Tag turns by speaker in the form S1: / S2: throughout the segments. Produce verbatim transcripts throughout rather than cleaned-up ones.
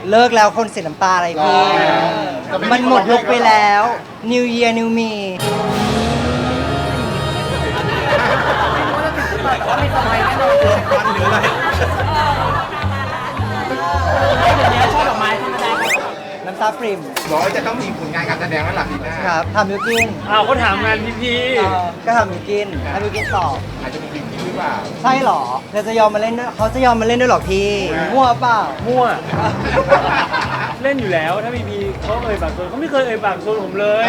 S1: เลิกแล้วคนเสียน้ำตาอะไรพี่มันหมดยุคไปแล้ว New Year New Me
S2: วันหรืออะไร
S3: ชอบดอกไม้ธรรมดา
S1: น้ำตาปริ่ม
S2: บอกว่าจะต้องมีผลงานการแสดงแล้วหลังปีหน้า
S1: ครับทำมิวกิน
S4: อ้าวเขาถามงานพี่พี่
S1: เอ่อก็ทำมิวกินให้มิวกินตอบ
S2: อาจจะมีบิวกิ้นหรือเปล่า
S1: ใช่เหรอเธอจะยอมมาเล่นด้วยเขาจะยอมมาเล่นด้วยเหรอพี่มั่วเปล่า
S4: มั่ว เล่นอยู่แล้วถ้าพี่พีเขาเอ่ยปากชวนเขาไม่เคยเอ่ยปากชวนผมเลย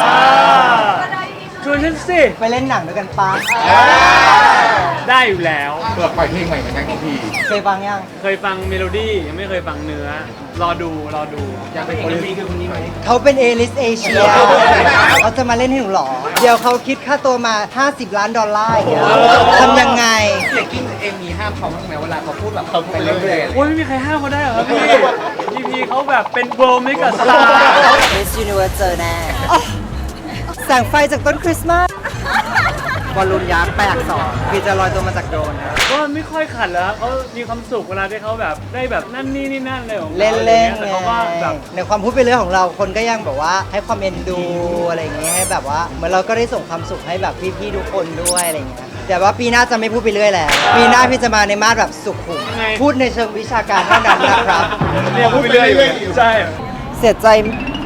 S4: ชวนฉันสิ
S1: ไปเล่นหนังด้วยกันปะ
S4: ได้อยู่แล้ว
S2: เปิดปล่อยเพลงใหม่เหมือนกันพี่พี
S1: เคยฟังยัง
S4: เคยฟังเมโลดี้ยังไม่เคยฟังเนื้อ รอดูรอดู
S2: อยากเป็นคนนี้คือคนนี้ไหม
S1: เขาเป็นเอลิสเอเชียเขาจะมาเล่นให้หนูเหรอ เดี๋ยวเขาคิดค่าตัวมา ห้าสิบ ล้านดอลลาร์อย่างเงี้ยทำยังไง
S2: เสียกิ้นเองมีห้ามเขาบ้างไหมเวลาเขาพูดแบบเขาไปเรื่อยๆ
S4: โอ้ยไม่มีใครห้ามเขาได้เหรอครับพี่พี่พีเขาแบบเป็นโบรมิกับสตาร์
S1: Miss Universe เจอแน่แสงไฟจากต้นคริสต์มาสบอลลูนยักษ์แปลกสองพี่จะลอยตัวมาจากโดรนนะ
S4: ก็ไม่ค่อยขัดแล้วเขามีความสุขเวลาที่เขาแบบได้แบบนั่นนี่นี่นั่นเลยของขา
S1: เล่นเล่น
S4: อะไรงี้ยแต่
S1: ไง
S4: เขาก็แบบ
S1: ในความพูดไปเรื่องของเราคนก็ยังแบบว่าให้ความเอ็นดูอะไรอย่างเงี้ยให้แบบว่าเหมือนเราก็ได้ส่งความสุขให้แบบพี่ๆทุกคนด้วยอะไรอย่างเงี้ยแต่ว่าปีหน้าจะไม่พูดไปเรื่อยแล้วปีหน้าพี่จะมาในมาสแบบสุขุมพูดในเชิงวิชาการเท่านั้นนะครับ
S4: เนี่ยพูดไปเรื่อยอยู่ใช่
S1: เสียใจ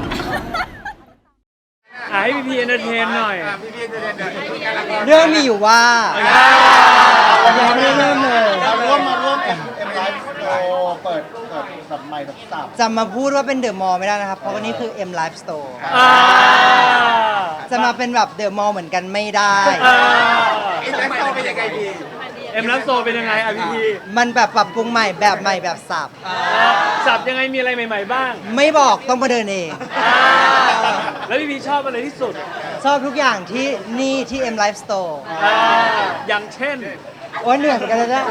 S4: อ่ะให้พี่พีเอนเตอร์เทนหน่อย
S2: อ่ะพี่พีจะเดินเดินคุยกันแล้วก็
S1: เรื่องมีอยู่ว่ายังไม่ได้เริ่มเลย
S5: มาร่วมมาร่วมเอ็มเอ็มไลฟ์โชว์เปิดเปิดแบบใหม่แบบสับ
S1: จะมาพูดว่าเป็นเดอะมอลล์ไม่ได้นะครับ เพราะว่านี่คือ M Life Store
S4: อ่า
S1: จะมาเป็นแบบเดอะมอลล์เหมือนกันไม่ได้
S4: อ่า
S2: เอ็นแล้วโตเป็นยังไงดี
S4: เอ็มรับโซเป็นยังไงอ่ะพี่พี
S1: มันแบบปรับปรุงใหม่แบบใหม่แบบสับ
S4: สับยังไงมีอะไรใหม่ๆบ้าง
S1: ไม่บอกต้องมาเดินเอง
S4: อ่าแล้วพี่พีชอบอะไรที่สุด
S1: ชอบทุกอย่างที่นี่ที่ M Life Store
S4: อ่าอย่างเช่น
S1: โอ้ยเหนื่อยเหมือนกันนะเนี่ย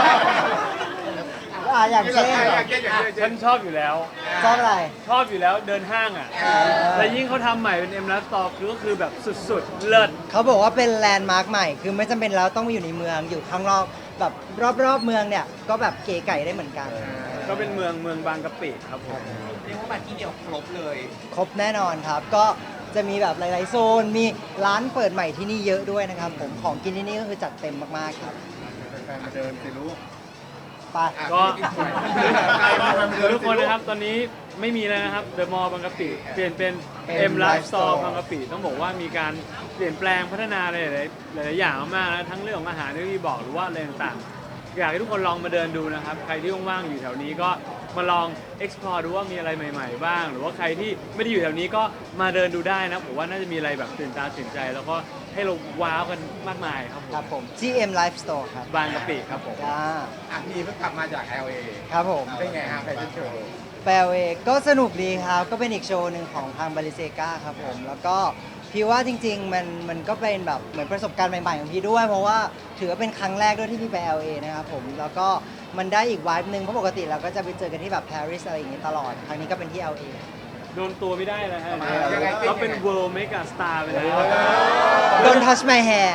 S1: อ่ะอย่างเช่น
S4: ฉันชอบอยู่แล้ว
S1: ชอบอะไร
S4: ชอบอยู่แล้วเดินห้างอ่ะแล้วยิ่งเขาทำใหม่เป็นเอ็มรับโซคือก็คือแบบสุดๆ เลิศ
S1: เขาบอกว่าเป็นแลนด์มาร์คใหม่ คือไม่จำเป็นแล้วต้องมาอยู่ในเมือง อยู่ข้างนอกแบบรอบๆเมืองเนี่ย ก็แบบเก๋ไก่ได้เหมือนกัน
S4: ก็เป็นเมืองเมืองบางกะปิครับผม
S2: เรียกว่ามาที่เดียวครบเลย
S1: ครบแน่นอนครับ ก็จะมีแบบหลายๆโซน มีร้านเปิดใหม่ที่นี่เยอะด้วยนะครับผม ของกินที่นี่ก็คือจัดเต็มมากๆครับ
S5: แฟนมาเดินสิลูก
S1: ไป
S4: ก็ทุกคนนะครับตอนนี้ไม่มีแล้วนะครับเดอะมอลล์บางกะปิเปลี่ยนเป็น M Life Store บางกะปิต้องบอกว่ามีการเปลี่ยนแปลงพัฒนาหลายๆหลายๆอย่างมากนะทั้งเรื่องของอาหารที่พี่บอกหรือว่าอะไรต่างๆอยากให้ทุกคนลองมาเดินดูนะครับใครที่ว่างๆอยู่แถวนี้ก็มาลอง explore ดูว่ามีอะไรใหม่ๆบ้าง หรือว่าใครที่ไม่ได้อยู่แถวนี้ก็มาเดินดูได้นะผมว่าน่าจะมีอะไรแบบตื่นตาตื่นใจ แล้วก็ให้เราว้าวกันมากมายครับผม
S1: ครับผม จี เอ็ม Life Store ครับ
S4: บางกะปิครับผม
S1: จ้า
S2: อ่ะพี่เพิ่งกลับมาจาก แอล เอ
S1: ครับผม
S2: เป็นไงฮะแฟชั่นโชว์
S1: แปลเวก็สนุกดีครับ ก็เป็นอีกโชว์หนึ่งของทางบาริเซกาครับผม แล้วก็พี่ว่าจริงๆ มันมันก็เป็นแบบเหมือนประสบการณ์ใหม่ๆ ของพี่ด้วย เพราะว่าถือว่าเป็นครั้งแรกด้วยที่พี่ไป แอล เอ นะครับผม แล้วก็มันได้อีกวายหนึ่งเพราะปกติเราก็จะไปเจอกันที่แบบปารีสอะไรอย่างงี้ตลอด ครั้งนี้ก็เป็นที่ แอล เอ
S4: โดนตัวไม่ได้แล้วฮะเขาเป็น world mega star ไปแล้ว
S1: Don't touch my hair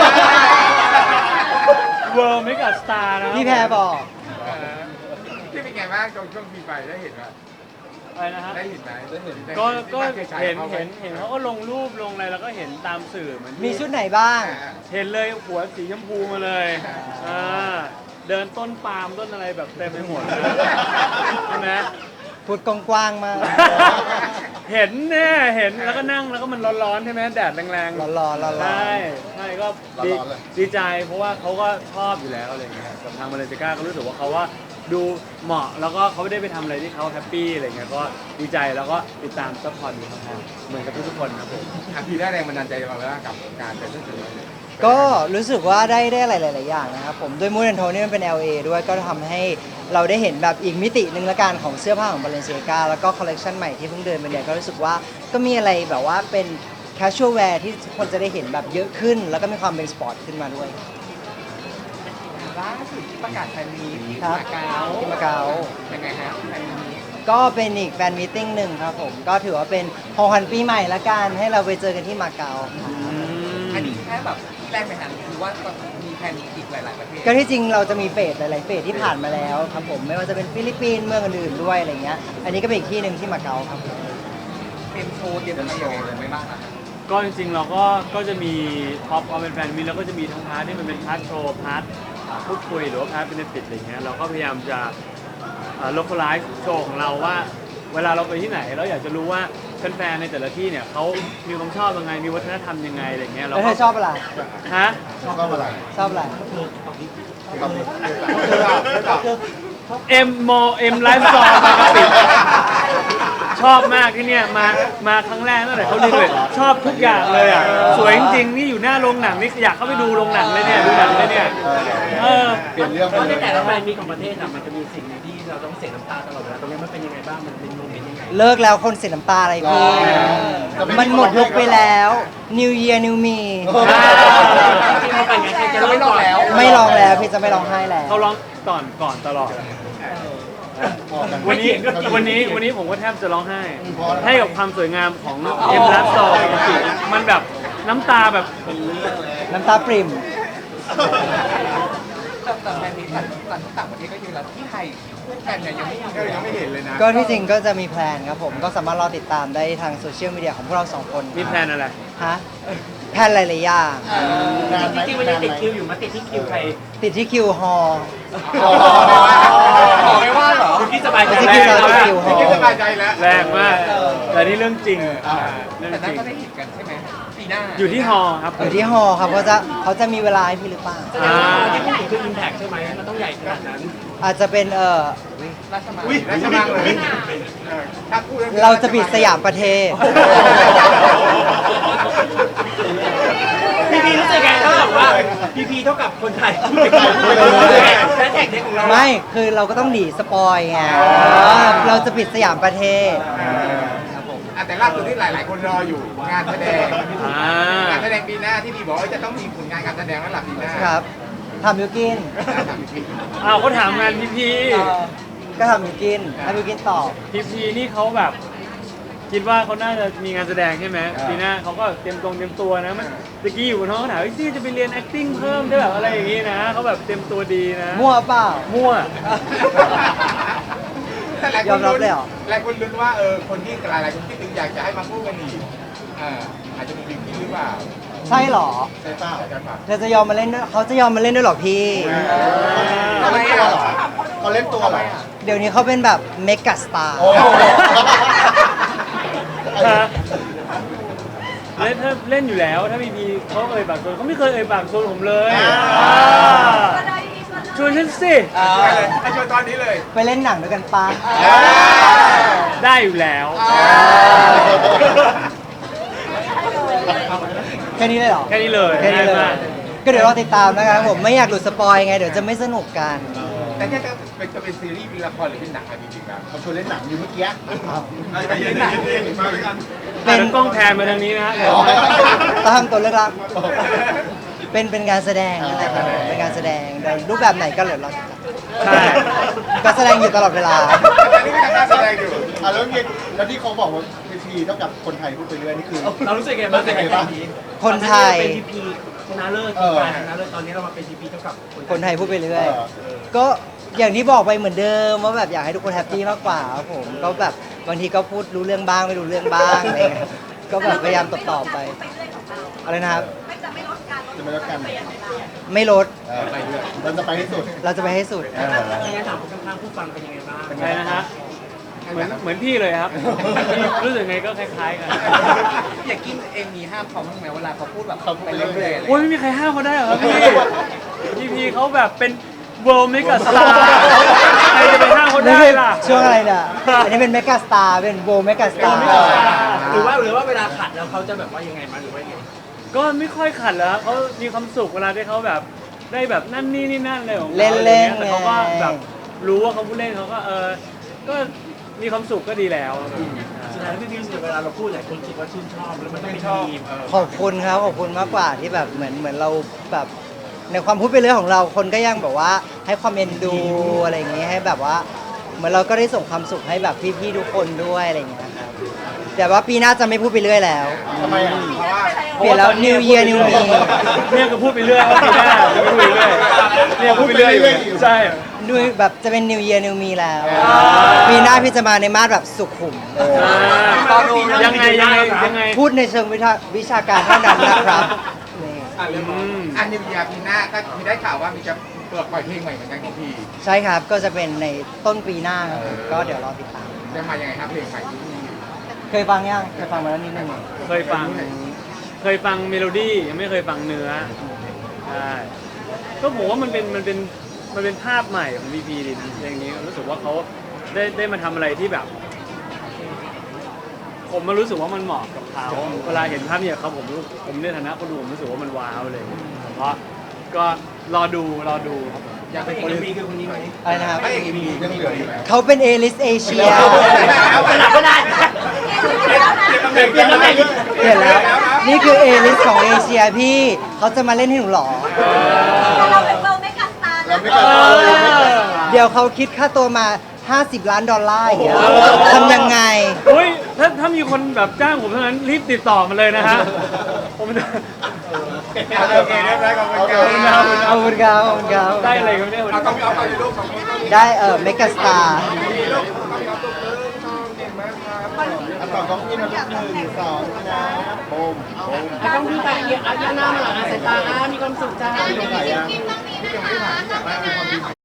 S4: world mega star นะ
S1: พี่แพรบอก
S2: พี่เป็นไงบ้างตรงช่วงปีไปได้เห็นไหม
S4: อะไรนะฮะ
S2: ได้เห็นไหมได้เห็น
S4: ก็ก็
S2: ได้คยฉาย
S4: เห็น
S2: ขาไ
S4: เห็นเห็นเขาก็ลงรูปลงอะไรแล้วก็เห็นตามสื่อเหมือนที่
S1: มีชุดไหนบ้าง
S4: เห็นเลยหัวสีชมพูมาเลยอ่าเดินต้นปาล์มต้นอะไรแบบเต็มไปหมดเลยใช่ไหม
S1: พูดกว้างๆมาก
S4: เห็นแน่เห็นแล้วก็นั่งแล้วก็มันร้อนๆใช่ไหมแดดแรงๆ
S1: ร้อนๆร้อนๆ
S4: ใช่ใช่ก็ดี
S5: ร้อนๆเลย
S4: ดีใจเพราะว่าเขาก็ชอบอยู่แล้วอะไรเงี้ยกับทางมาเลเซียก็รู้สึกว่าเขาว่าดูเหมาะแล้วก็เขาไม่ได้ไปทำอะไรที่เขาแฮปปี้อะไรเงี้ยก็ดีใจแล้วก็ติดตามซัพพอร์ตดูครับเหมือนกับทุกๆคนครับผม
S2: อ่ะพี่ได้แรงบันดาลใจมาแล้วกับการแฟชั่นโชว์
S1: ก็รู้สึกว่าได้ได้หลาย ๆ อย่างนะครับผมด้วยมูดแอนโทนี่มันเป็น แอล เอ ด้วยก็ทำให้เราได้เห็นแบบอีกมิติหนึ่งละกันของเสื้อผ้าของ Balenciaga แล้วก็คอลเลกชันใหม่ที่เพิ่งเดินไปเนี่ยก็รู้สึกว่าก็มีอะไรแบบว่าเป็น casual wear ที่ทุกคนจะได้เห็นแบบเยอะขึ้น แล้วก็มีความเป็นสปอร์ตขึ้นมาด้วย
S2: ล่าสุดประกาศแฟนมีตที่
S1: ครับ
S2: มาเก๊า
S1: ที่มาเก๊า
S2: ยังไงฮะแฟนมีต
S1: ก็เป็นอีกแฟนมีตติ้งหนึ่งครับผมก็ถือว่าเป็นของขวัญปีใหม่ละกันให้เราไปเจอกันที่มาเก๊า
S2: อันนี้แค่แบบแรกไปหันคือว่ามีแผนอีกหลาย ๆ ประเทศ
S1: ก็ที่จริงเราจะมีเฟสหลายๆเฟสที่ผ่านมาแล้วครับผมไม่ว่าจะเป็นฟิลิปปินส์เมืองอื่นๆด้วยอะไรเงี้ยอันนี้ก็เป็นอีกที่หนึ่งที่มาเก๊าครับ
S2: เตรียมโชว์เตรียมอะไรยังไงเลยไม่บ้างอะ
S4: ก็จริงๆเราก็ก็จะมีท็อปเอาเป็นแฟนมิตรแล้วก็จะมีทั้งพาร์ทที่มันเป็นพาร์ทโชว์พาร์ทพูดคุยหรือว่าพาร์ทเป็นติดอะไรเงี้ยเราก็พยายามจะโลคอลไลซ์โชว์ของเราว่าเวลาเราไปที่ไหนเราอยากจะรู้ว่าแฟนๆในแต่ละที่เนี่ยเขามีความชอบยังไงมีวัฒนธรรมยังไงอะไรเงี้ยเรา
S1: แล้วเธ
S4: ก็
S1: อชอบอะไร
S4: ฮะ
S5: ชอบอะไร
S1: ชอบอะไร
S4: เอ็มโมเอ็มไลฟ์สตอร์บางกะปิชอบมากที่เนี่ยมามาครั้งแรกตั้งแต่เขาดีเลยชอบทุกอย่างเลยอ่ะสวยจริงๆนี่อยู่หน้าโรงหนังนี่อยากเข้าไปดูโรงหนังเลยเนี่ยดูหนังเลยเนี่ยเออ
S5: เปลี่ยนเรื่องไป
S3: เพราะ
S5: เล
S3: ใน
S5: ย
S3: แต่ละแบรนด์มีของประเทศอ่ะมันจะมีสิ่งหนึ่งที่เราต้องเสียน้ำตาตลอดเวลาตรงนี้มันเป็นยังไงบ้างมันเป็นโมเมนต์ยังไง
S1: เลิกแล้วคนเสียน้ำตาอะไรพี่มันหมดยุคไปแล้ว New Year New Me
S3: ที่เขาไปไงใครจะเล่าก่อน
S1: ไม่ร้องแล้วพี่จะไม่ร้องไห้แล้ว
S4: เขาร้องก่อนก่อนตลอด วันนี้วันนี้วันนี้ผมก็แทบจะร้องไห้ ให้กับความสวยงามของเอ็มรัสซอปกติมันแบบน้ำตาแบบ
S1: น้ำตาปริ่ม
S2: แต่แต่แผนนี้ต่างต่างต่างประเทศก็เยอะแล้วที่ไทยคู่กันเนี่ยยังไม่ยังไม่เห็นเลยนะ
S1: ก็ที่จริงก็จะมีแพลนครับผมก็สามารถรอติดตามได้ทางโซเชียลมีเดียของพวกเราสองคน
S4: มีแพลนอะไร
S1: ฮะแพลนหลายๆอย่าง
S5: นานไหม
S3: จริงๆมันยังติดคิวอยู่มาติดที่คิวใคร
S1: ติดที่คิวฮอ
S2: ขอไม่ว่าเหรอ
S3: คุณที่สบายใจ
S1: ที่
S3: แล้
S1: คิว
S3: ว
S1: ซาคิวฮอ
S2: สบายใจแล้ว
S4: แรงมาก แต่นี่เรื่องจริงเรื่อง
S2: แต่
S4: จ
S2: นั่
S4: ริ
S2: น
S4: ง
S2: ก็ได้เห็นกันใช่ไหมปีหน้า
S4: อยู่ที่ฮอครับ
S1: อยู่ที่ฮอครับเขาจะเขาจะมีเวลาให้พี่หรือเปล่า
S3: แสดงว่าที่พูดถึงคืออิมแพคใช่ไหมมันต้องใหญ่ขนาดนั้น
S1: อาจจะเป็นเออ
S2: ราชมังราชมังเลยถ้าพูด
S1: เราจะปิดสยามประเทศ
S3: พีพีรู้สึกไงถ้าแบบว่าพีพีเท่ากับคนไทยและแท็กเด็กของเรา
S1: ไม่คือเราก็ต้องหนีสปอยไงเออเราจะปิดสยามประเทศ
S2: อ่ะแต่ล่าสุดที่หลาย ๆ คนรออยู่งานแสดง
S4: อ่าง
S2: านแสดงปีหน้าที่พี่บอกว่าจะต้องมีผลงานการแสดงแล้วล่ะปีหน้า
S1: ครับทำมิวกิน
S4: อ้าวเขาถามงานพีพี
S1: ก็ทำมิวกินให้มิวกินตอบ
S4: พีพีนี่เขาแบบ คิดว่าเขาน่าจะมีงานแสดงใช่ไหมปีหน้าเขาก็เตรียมตรงเตรียมตัวนะมันตะกี้อยู่บนห้องเขาถามว่าซี่จะไปเรียน acting เพิ่มได้แบบอะไรอย่างงี้นะเขาแบบเตรียมตัวดีนะ
S1: มั่วเปล่า
S4: มั่ว
S2: แต่หลาย
S1: ย
S2: ค
S1: อน มรับ
S2: ลุ้น
S1: เลยเหรอ
S2: หลายคนลุ้นว่าเออคนที่หลายๆคนที่ตึงอยากจะให้มาคู่กันอีกอ่าอาจจะมีบิ๊กกี้หรือเปล่า
S1: ใช่เหรอ
S5: ใช่เปล่า
S2: ใช่ป่ะ
S1: เธอจะยอมมาเล่นด้วยเขาจะยอมมาเล่นด้วยเหรอพี่
S5: เขาเล่นตัวเหรอเขาเล่นตัวเหรอ
S1: เดี๋ยวนี้เขาเป็นแบบเมกะสตาร์
S5: โอ้
S4: ฮะเล่นถ้าเล่นอยู่แล้วถ้าพีพีเขาเอ่ยปากชวนเขาไม่เคยเอ่ยปากชวนผมเลยอ่าชวนฉันสิ
S2: ไปเลยให้ชวนตอนนี้เลย
S1: ไปเล่นหนังด้วยกันปะ
S4: ได้อยู่แล้ว
S1: แค่นี้เลยเหรอ
S4: แค่นี้เลย
S1: แค่นี้เลย
S4: ง่ายมาก
S1: ก็เดี๋ยวรอติดตามนะครับผมไม่อยากหลุดสปอยไงเดี๋ยวจะไม่สนุกกัน
S2: แต่เนี่ยจะเป็นจะเป็นซีรีส์มีละครหรือเป็นหนังอะไรจริงๆแล้ว
S5: เขาชวนเล่นหนังอยู่เมื่อกี้
S2: เป็นหนังมาเหมือนกัน
S4: อ่ะเดี๋ยวกล้องแพนมาทางนี้นะฮะ
S5: อ๋อ
S1: ต้องทำตัวเลือกรักเป็นเป็นการแสดงนั่นแหละครับผมเป็นการแสดงเดี๋ยวรูปแบบไหนก็เหลือเราติดตาม
S4: ใช่
S1: ก็แสดงอยู่ตลอดเวลา
S2: ตอนนี้ก็ทำการแสดงอยู่
S5: อ่ะแล้วเนี่ยแล้วที่เขาบอกว่าพีพีเท่ากับคนไทยพูดไปเรื่อยนี่คือ
S3: เรารู้สึกไงบ้างในการนี้
S1: คนไทย
S3: เป็นพีพีชนะเลิศการชนะเลิศตอนนี้เรามาเป็นพีพีเท่ากับ
S1: คนไทยพูดไปเรื่อย ก็อย่างที่บอกไปเหมือนเดิมว่าแบบอยากให้ทุกคนแฮปปี้มากกว่าครับผมก็แบบบางทีก็พูดรู้เรื่องบ้างไม่รู้เรื่องบ้างอะไรเงี้ยก็แบบพยายามตอบตอบๆไปอะไรนะครับ
S5: จะไม่รับกัน
S1: ไม่ลด
S5: เออไปเรื่อยเราจะไปให้สุด
S1: เราจะไปให้สุด
S5: เออ
S3: ไม่งั้นถามคนข้างๆผู้ฟังเป็นยังไงบ้าง
S4: ใช่นะฮะเหมือนเหมือนพี่เลยครับพี่รู้สึกไงก็คล้ายๆกัน
S2: อยากกินเองมีห้ามเขาบ้างไหมเวลาเขาพูดแบบเขาไปเรื่อยๆอะไร
S4: โอ้ยไม่มีใครห้ามเขาได้หรอครับพี่พีพีเขาแบบเป็น world mega star ใครจะไปห้ามเขาได้ล่ะ
S1: ช่วงอะไรเนี่ยอันนี้เป็นเมกาสตาร์เป็นโบเมกาสตาร์
S3: หรือว่าหรือว่าเวลาขัดแล้วเขาจะแบบว่ายังไงมาหรือว่ายังไง
S4: ก็ไม่ค่อยขัดแล้วครับเขามีความสุขเวลาที่เขาแบบได้แบบนั่นนี่นี่นั่นเลยของขา
S1: เล่นเล่น
S4: แต่เขาก็แบบรู้ว่าเขาพูดเล่นเขาก็เออก็มีความสุขก็ดีแล้วครับ
S3: สุดท้ายพี่พี่รู้สึกเวลาเราพูดหลายคนคิดว่าชื่นชอบแล้วมันต้องเป็นทีม
S1: ขอบคุณครับขอบคุณมากกว่าที่แบบเหมือนเหมือนเราแบบในความพูดไปเรื่องของเราคนก็ยังแบบว่าให้ความเอ็นดูอะไรอย่างงี้ให้แบบว่า เหมือนเราก็ได้ส่งความสุขให้แบบพี่ๆทุกคนด้วยอะไรอย่างเงี้ยครับแต่ว่าปีหน้าจะไม่พูดไปเรื่อยแล้ว
S5: ทำไมอ่ะ
S2: เพราะว่า
S1: เปลี่ยนแล้ว New Year New Me
S4: เนี่ยก็พูดไปเรื่อยว่าปีหน้าจะไม่พูดไปเรื่อยเนี่ยพูดไปเรื่อยอยู่ใช่
S1: ดูแบบจะเป็น New Year New Me แล้ว ปีหน้าพี่จะมาในมาดแบบสุขุม
S4: ยังไงยังไงยังไง
S1: พูดในเชิงวิชาวิชาการเท่านั้นนะครับนี่
S2: อ่ะเรื่องของอันนิวยาปีหน้าก็มีได้ข่าวว่ามีจะเปิดปล่อยเพลงใหม่เหมือนกันของพี่
S1: ใช่ครับก็จะเป็นในต้นปีหน้าครับผมก็เดี๋ยวรอติดตาม
S2: จะมายังไงครับเพลงใหม่ที่มี
S1: เคยฟังยังเคยฟังมาแล้วนิดนึง
S4: เคยฟัง เคยฟังเมโลดี้ยังไม่เคยฟังเนื้อใช่ก็ผมว่ามันเป็นมันเป็นมันเป็นภาพใหม่ของพีพีดิอย่างนี้รู้สึกว่าเขาได้ได้มาทำอะไรที่แบบ ผมมารู้สึกว่ามันเหมาะกับเขาเวลาเห็นภาพเนี่ยเขาผมรู้ผมในฐานะคนดูผมรู้สึกว่ามันว้าวเลยเพราะก็รอดูรอดูครับผม
S2: อยากเป็น
S3: เอ
S2: คน
S3: กมีคือคนนี้ไหม
S1: อะไรนะครับ
S2: พระเอกมียังเหลืออยู่ไหม
S1: เขาเป็น A list Asia
S3: เอาไปแล้วก็ได้
S2: เปลี่ยนตำแหน่งเปลี่ยนตำแหน่ง
S1: เห็นแล้ว นี่คือ A list ของเอเชียพี่ เขาจะมาเล่นให้หนูเหรอ
S6: เราเป็นเบลไม่กัสตาร์
S5: เรา
S6: นะ
S5: ไม่กล้าเราไม่กล้า
S1: เดี๋ยวเขาคิดค่าตัวมา ห้าสิบ ล้านดอลลาร์อย่างเงี้ยทำยังไง
S4: อุ้ยถ้าถ้ามีคนแบบจ้างผมเท่านั้นรีบติดต่อมาเลยนะฮะผมจะ
S2: โอเคเรียบร้อยขอบคุณครับ
S1: เอาคุณครับเอาคุณครับ
S4: ได้อะไรกันเนี่ยวัน
S2: เอา
S4: นี้
S2: ต้องเอาไปลูกของลูก
S1: ได้เออเมกาสตาร์
S2: ลูกต้องเอาตุ๊กเลยชอบเก่งมากครับ
S5: อันต่อต้องกินนะลูกหนึ่งสองนะโบมโบม
S3: ต้องดูแต่เอียอาญาหน้ามาหลังอาสายตาอ่ะมีความสุขจ้า
S5: ไม่ต้องไหนอ่ะ
S6: กินต้องมีนะคะ